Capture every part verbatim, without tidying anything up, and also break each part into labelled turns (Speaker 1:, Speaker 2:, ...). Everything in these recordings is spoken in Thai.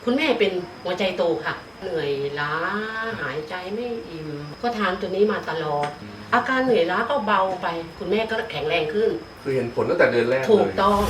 Speaker 1: คุณแม่เป็นหัวใจโตค่ะเหนื่อยล้าหายใจไม่อิ่มก็ทานตัวนี้มาตลอดอาการเหนื่อยล้าก็เบาไปคุณแม่ก็แข็งแรงขึ้น
Speaker 2: คือเห็นผลตั้งแต่เดือนแรกเลย
Speaker 1: ถูกต้อง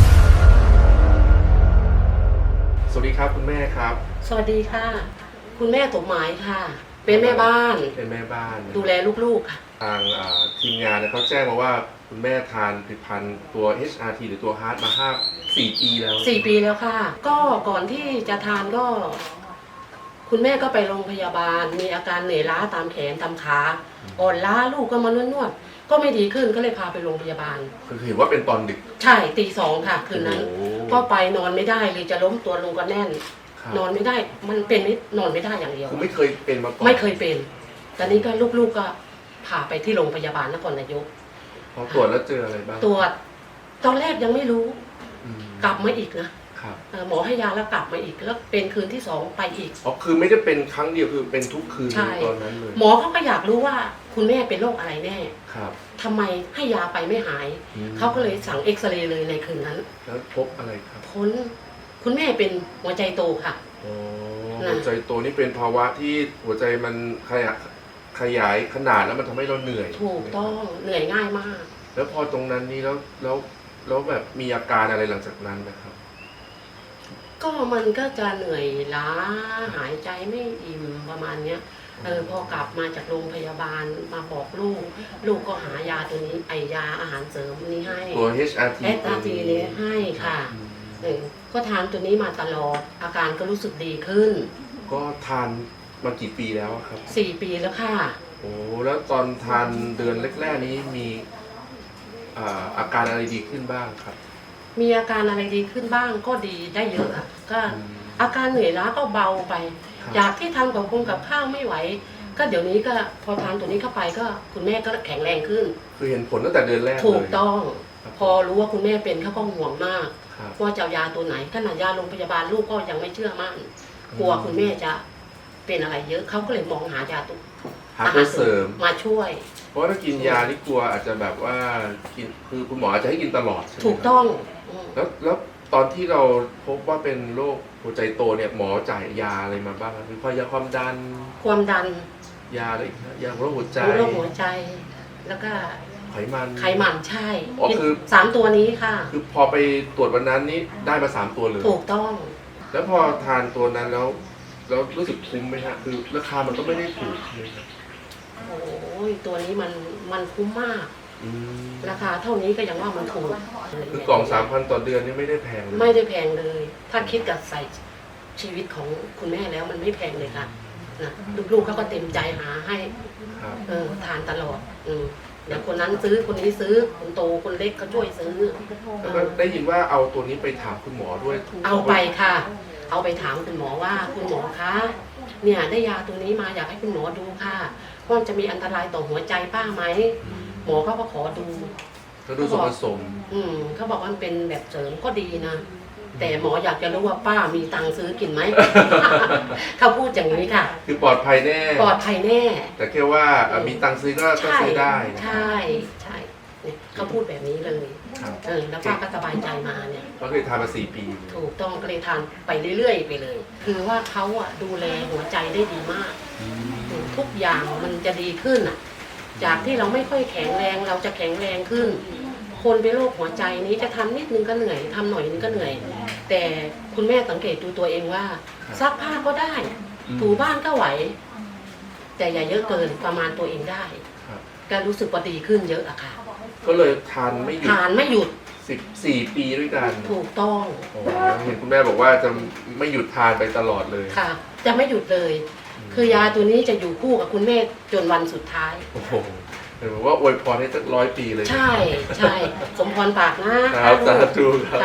Speaker 2: สวัสดีครับคุณแม่ครับ
Speaker 1: สวัสดีค่ะคุณแม่สมหมายค่ะเป็นแม่บ้าน
Speaker 2: เป็นแม่บ้าน
Speaker 1: ดูแลลูกๆค่ะ
Speaker 2: ทางทีมงานเขาแจ้งมาว่าคุณแม่ทานผลิตภัณฑ์ตัว เอช อาร์ ที หรือตัว ฮาร์ท มาห้า สี่ปีแล้ว
Speaker 1: สี่ปีแล้วค่ะก็ก่อนที่จะทานก็ คุณแม่ก็ไปโรงพยาบาลมีอาการเหนื่อยล้าตามแขนตามขาอ่อนล้าลูกก็มานวดๆก็ไม่ดีขึ้นก็เลยพาไปโรงพยาบาล
Speaker 2: คือเห็นว่าเป็นตอนดึก
Speaker 1: ใช่ตีสองค่ะคืนนั้นก็ไปนอนไม่ได้เลยจะล้มตัวลงก็แน่นนอนไม่ได้มันเป็นไม่นอนไม่ได้อย่างเดียว
Speaker 2: คือไม่เคยเป็นมาก่อน
Speaker 1: ไม่เคยเป็นตอนนี้ก็ลูกๆก็พาไปที่โรงพยาบาลนครนายก
Speaker 2: พอตรวจแล้วเจออะไรบ้าง
Speaker 1: ตรวจตอนแรกยังไม่รู้กลับมาอีกนะหมอให้ยาแล้วกลับมาอีกแล้วเป็นคืนที่สองไปอีก
Speaker 2: อ๋อคือไม่ได้เป็นครั้งเดียวคือเป็นทุกคืนตอนนั้นเลย
Speaker 1: หมอเขาก็อยากรู้ว่าคุณแม่เป็นโรคอะไรแน่
Speaker 2: ครับ
Speaker 1: ทำไมให้ยาไปไม่หายเขาก็เลยสั่งเอ็กซเรย์เลยในคืนนั้น
Speaker 2: แล้วพบอะไรครับ
Speaker 1: พ้นคุณแม่เป็นหัวใจโตค่ะ
Speaker 2: อ๋อหัวใจโตนี่เป็นภาวะที่หัวใจมันขยายขยายขนาดแล้วมันทำให้เราเหนื่อย
Speaker 1: ถูกต้องเหนื่อยง่ายมาก
Speaker 2: แล้วพอตรงนั้นนี่แล้วแล้วแล้วแบบมีอาการอะไรหลังจากนั้นนะครับ
Speaker 1: ก็มันก็จะเหนื่อยล้าหายใจไม่อิ่มประมาณเนี้ยเออพอกลับมาจากโรงพยาบาลมาบอกลูกลูกก็หายาตัวนี้ไอยาอาหารเสริมนี้ให้
Speaker 2: ตัว เอช อาร์ ที
Speaker 1: เอช อาร์ ที นี้ให้ค่ะเออก็ทานตัวนี้มาตลอดอาการก็รู้สึกดีขึ้น
Speaker 2: ก็ทานมากี่ปีแล้วครับ
Speaker 1: สี่ปีแล้วค่ะ
Speaker 2: โอ้แล้วตอนทานเดือนแรกๆนี้มีอาการอะไรดีขึ้นบ้างครับ
Speaker 1: มีอาการอะไรดีขึ้นบ้างก็ดีได้เยอะอะก็อาการเหนื่อยล้าก็เบาไปจากที่ทำกับคงกับข้าวไม่ไหวก็เดี๋ยวนี้ก็พอทานตัวนี้เข้าไปก็คุณแม่ก็แข็งแรงขึ้น
Speaker 2: คือเห็นผลตั้งแต่เดือนแรกเลย
Speaker 1: ถูกต้องพอรู้ว่าคุณแม่เป็นเขาก็ห่วงมากว่าจะเอายาตัวไหนขนาดยาโรงพยาบาลลูกก็ยังไม่เชื่อมั่นกลัวคุณแม่จะเป็นอะไรเยอะเขาก็เลยมองหายาตัว
Speaker 2: หาตัวเสริม
Speaker 1: มาช่วย
Speaker 2: เพราะถ้ากินยาที่กลัวอาจจะแบบว่ากินคือคุณหมออาจจะให้กินตลอดใช่ไหม
Speaker 1: ถูกต้อง
Speaker 2: แล้วแล้วตอนที่เราพบว่าเป็นโรคหัวใจโตเนี่ยหมอจ่ายยาอะไรมาบ้างมียาความดัน
Speaker 1: ความดัน
Speaker 2: ยาอะไรยาโรคหัวใจ
Speaker 1: โรคหัวใจแล้วก็
Speaker 2: ไขมัน
Speaker 1: ไขมันใช่
Speaker 2: อ๋อคือ
Speaker 1: สามตัวนี้ค่ะ
Speaker 2: คือพอไปตรวจวันนั้นนี้ได้มาสามตัวเลย
Speaker 1: ถูกต้อง
Speaker 2: แล้วพอทานตัวนั้นแล้วแล้วรู้สึกคุ้มไหมฮะคือราคามันก็ไม่ได้ถูกเลยครับ
Speaker 1: โอ้ยตัวนี้มันมันคุ้มมากราคาเท่านี้ก็ยังว่ามันถูก
Speaker 2: คือกล่องสามพันต่อเดือนนี่ไม่ได้แพงเลย
Speaker 1: ไม่ได้แพงเลยถ้าคิดกับใส่ชีวิตของคุณแม่แล้วมันไม่แพงเลยค่ะนะลูกๆเขาก็เต็มใจหาให้เออทานตลอดอืมเดี๋ยวคนนั้นซื้อคนนี้ซื้อคนโตคนเล็กก็ช่วยซื้อ
Speaker 2: แล้วก็ได้ยินว่าเอาตัวนี้ไปถามคุณหมอด้วย
Speaker 1: เอาไปค่ะเอาไปถามคุณหมอว่าคุณหมอคะเนี่ยได้ยาตัวนี้มาอยากให้คุณหมอดูค่ะว่าจะมีอันตรายต่อหัวใจป้าไหมหมอเขาก็ขอดู
Speaker 2: เขาดูส่วนผสม
Speaker 1: อืมเขาบอกว่ามันเป็นแบบเสริมก็ดีนะแต่หมออยากจะรู้ว่าป้ามีตังค์ซื้อกินไหม เขาพูดอย่างนี้ค่ะ
Speaker 2: คือปลอดภัยแน่
Speaker 1: ปลอดภัยแน่
Speaker 2: แต่แค่ว่ามีตังค์ซื้อก็ซื้อได้
Speaker 1: ใช่ใช่เขาพูดแบบนี้เลยเออแล้วป้าก็สบายใจมาเนี่ย
Speaker 2: ก็เคยทานมาสี่ปี
Speaker 1: ถูกต้องก็เลยทานไปเรื่อยๆไปเลยคือว่าเขาอ่ะดูแลหัวใจได้ดีมากทุกอย่างมันจะดีขึ้นอ่ะจากที่เราไม่ค่อยแข็งแรงเราจะแข็งแรงขึ้นคนเป็นโรคหัวใจนี้จะทำนิดนึงก็เหนื่อยทำหน่อยนึงก็เหนื่อยแต่คุณแม่สังเกตดูตัวเองว่าซักผ้าก็ได้ถูบ้านก็ไหวแต่อย่าเยอะเกินประมาณตัวเองได้ก็รู้สึกว่าดีขึ้นเยอะอะค่ะ
Speaker 2: ก็เลยทานไม่หยุด
Speaker 1: ทานไม่หยุด
Speaker 2: สิบสี่ปีด้วยกัน
Speaker 1: ถูกต้อง
Speaker 2: เห็นคุณแม่บอกว่าจะไม่หยุดทานไปตลอดเลย
Speaker 1: ค่ะจะไม่หยุดเลยคือยาตัวนี้จะอยู่คู่กับคุณแม่จนวันสุดท้าย
Speaker 2: โอ้โหเห็นบอกว่าอวยพรให้สักร้อยปีเลย
Speaker 1: ใช่ใช่สมพรปากนะครับ
Speaker 2: สาธุครับ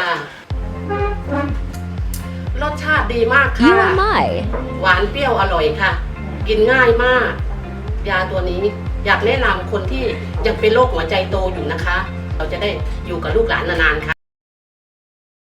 Speaker 1: รสชาติดีมากค่ะหวานเปรี้ยวอร่อยค่ะกินง่ายมากยาตัวนี้อยากแนะนำคนที่ยังเป็นโรคหัวใจโตอยู่นะคะเราจะได้อยู่กับลูกหลานนานๆค่ะ